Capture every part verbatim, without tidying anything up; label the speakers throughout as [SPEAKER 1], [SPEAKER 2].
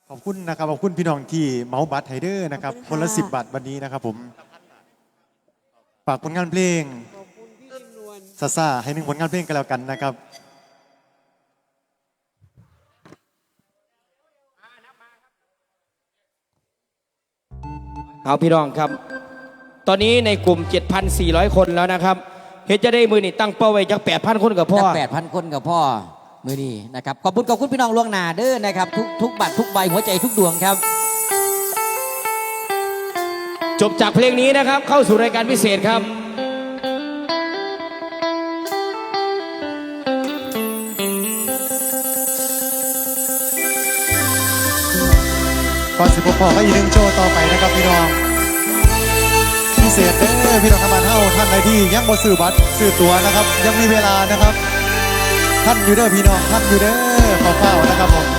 [SPEAKER 1] ขอบคุณนะครับขอบคุณพี่น้องที่เมาส์บัตรไฮเดอร์นะครับคนละสิบบาทวันนี้นะครับผมฝากผลงานเพลงซาซาให้หนึ่งผลงานเพลงกันแล้วกันนะครับ
[SPEAKER 2] เอาพี่น้องครับตอนนี้ในกลุ่ม เจ็ดพันสี่ร้อย คนแล้วนะครับเฮ็ดจะได้มือนี่ตั้งเป้าไว้จาก แปดพัน คนกับพ่อ
[SPEAKER 3] แปดพันคนกับพ่อมือนี้นะครับขอบคุณขอบคุณพี่น้องล่วงหน้าเด้อนะครับทุกทุกบัตรทุกใบหัวใจทุกดวงครับ
[SPEAKER 2] จบจากเพลงนี้นะครับเข้าสู่รายการพิเศษครับ
[SPEAKER 1] ก่อนสิบพอก็อีกหนึ่งโชว์ต่อไปนะครับพี่น้องพิเศษเด้อพี่น้องทำงานเท่าท่านใดที่ยังบ่ซื้อบัตรซื้อตั๋วนะครับยังมีเวลานะครับท่านอยู่เด้อพี่น้องท่านอยู่เด้อขอเฝ้านะครับผม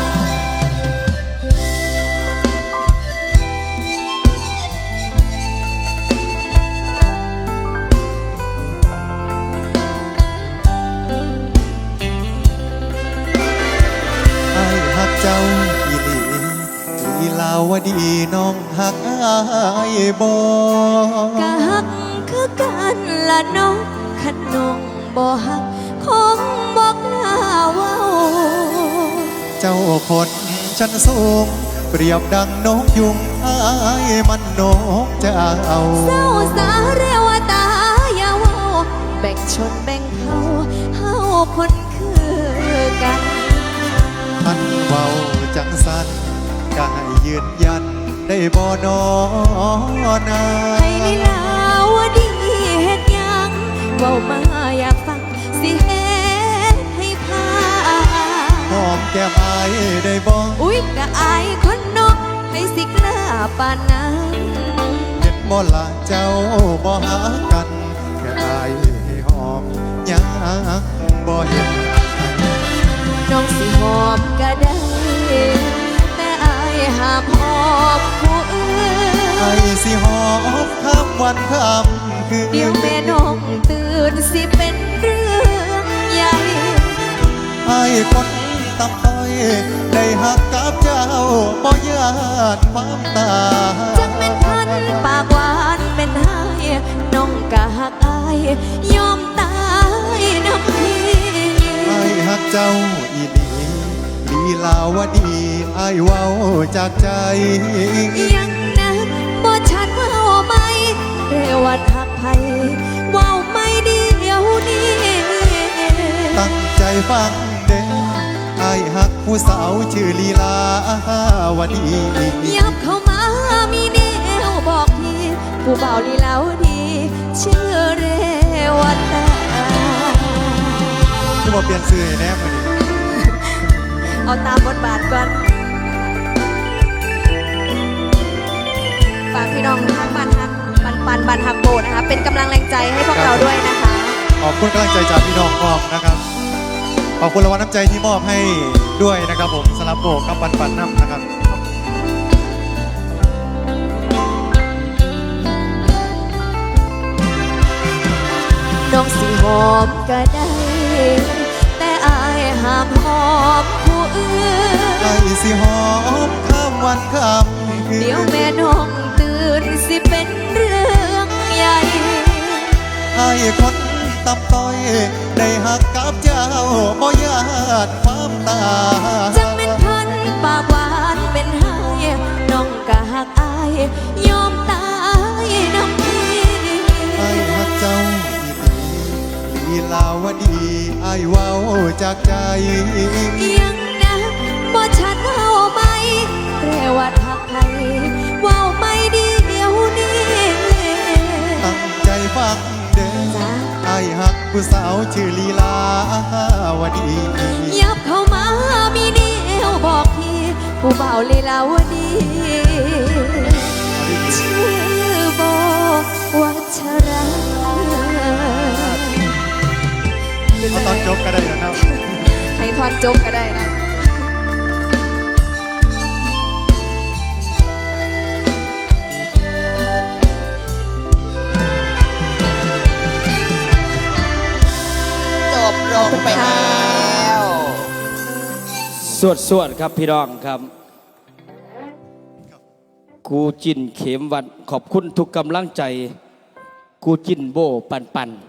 [SPEAKER 1] ไอ้ฮักเจ้าอีหลีอีลาวดีน้องฮักไอ้บ่
[SPEAKER 4] กะฮักคือกันละน้องขันน้องบ่ฮักคงบอกลาเว้า
[SPEAKER 1] เจ้าคนชั้นสูงเปรียบดังนกยุงไอ้มันนกจะเอา
[SPEAKER 4] เศร้าสาเรวตาอย่าเว้าแบ่งชนแบ่งเผ่าเฮาคนคือกัน
[SPEAKER 1] ท่านเบาจังสันก็ให้ยืนยันได้บ่นอนา
[SPEAKER 4] ให้ลีลาวดีเฮ็ดยังเว้ามาอยากฟังสิเฮ็ดให้พา
[SPEAKER 1] หอมแก้มอายได้บ่
[SPEAKER 4] อุ๊ยกะอายคนนกให้สิกล้าปานนั้น
[SPEAKER 1] เห็นบ่ละเจ้าบ่หากันแค่อายให้หอมยังบ่เห็น
[SPEAKER 4] น้องสิหอมก็ได้แต่อายห้ามหอมผู้อื่น
[SPEAKER 1] ไอ้สิหอมข้ามวันข้ามคืน
[SPEAKER 4] เดี๋ยวแม่น้องตื่นสิเป็นเรื่องใหญ่
[SPEAKER 1] ไอ้คนตำต้อยได้หักกับเจ้าบ่ญาติความตา
[SPEAKER 4] จักเป็นพันปากหวานเป็นไห้น้องกะหักอายยอมตายน้ำพี่
[SPEAKER 1] ไอ้หักเจ้าอีหลีลีลาวดีไอ้เว้าจากใจ
[SPEAKER 4] ยังนะบ่ชัดว่าไหมเรวัดหักไผว้าไม่เดียวนี้
[SPEAKER 1] ตั้งใจฟังเด้อไอ้หักผู้สาวชื่อลีลาวดี
[SPEAKER 4] ยับเข้ามามีแนวบอกพี่ผู้เบาลีลาวดีชื่อเรวัตตา
[SPEAKER 1] จะบอกเปลี่ยนชื่อแน่มาดิ
[SPEAKER 4] เอาตามบทบาทก่อนฝากพี่น้องทางบ้านฮักปันปันบ้านฮักโบนะคะเป็นกำลังแรงใจให้พวกเราด้วยนะคะ
[SPEAKER 1] ขอบคุณกำลังใจจากพี่น้องพร้อมนะครับขอบคุณรางวัลน้ำใจที่มอบให้ด้วยนะครับผมสลับโบกับปันปันน้ำนะครับ
[SPEAKER 4] น้องสิหอมก็ได้แต่อายห้ามหอมผู้อื่น
[SPEAKER 1] ไอ้สิหอมข้ามวันข้ามคืน
[SPEAKER 4] เดี๋ยวแม่น้องตื่นสิเป็นเรื่องใหญ่
[SPEAKER 1] ไอ้คนตำต้อยได้หักกับเจ้าบ่ญาติความตา
[SPEAKER 4] จังเป็นพันปากหวานเป็นไห้น้องกะหักอายยอมตายน้ำพี่
[SPEAKER 1] ไอ้หักเจ้าลีลาวดีไอ้เว้าจากใจ
[SPEAKER 4] ยังนะบ่ชัดเว้าไหมเรวัดหักไผเว้าไม่เดียวนี้
[SPEAKER 1] ตั้งใจฟังเด้อไอ้หักผู้สาวชื่อลีลาวดี
[SPEAKER 4] ยับเข้ามามีแนวบอกพี่ผู้เบาลีลาวดีชื่อโบวัชรา
[SPEAKER 1] เอาตอนจบก็ได้นะครับ
[SPEAKER 4] ให้ทอนจบก็ได้นะ
[SPEAKER 3] จบลงไปแล้ว
[SPEAKER 2] สวดสวดครับพี่น้องครับกูจินเขมวัดขอบคุณทุกกำลังใจ กูจินโบปันปัน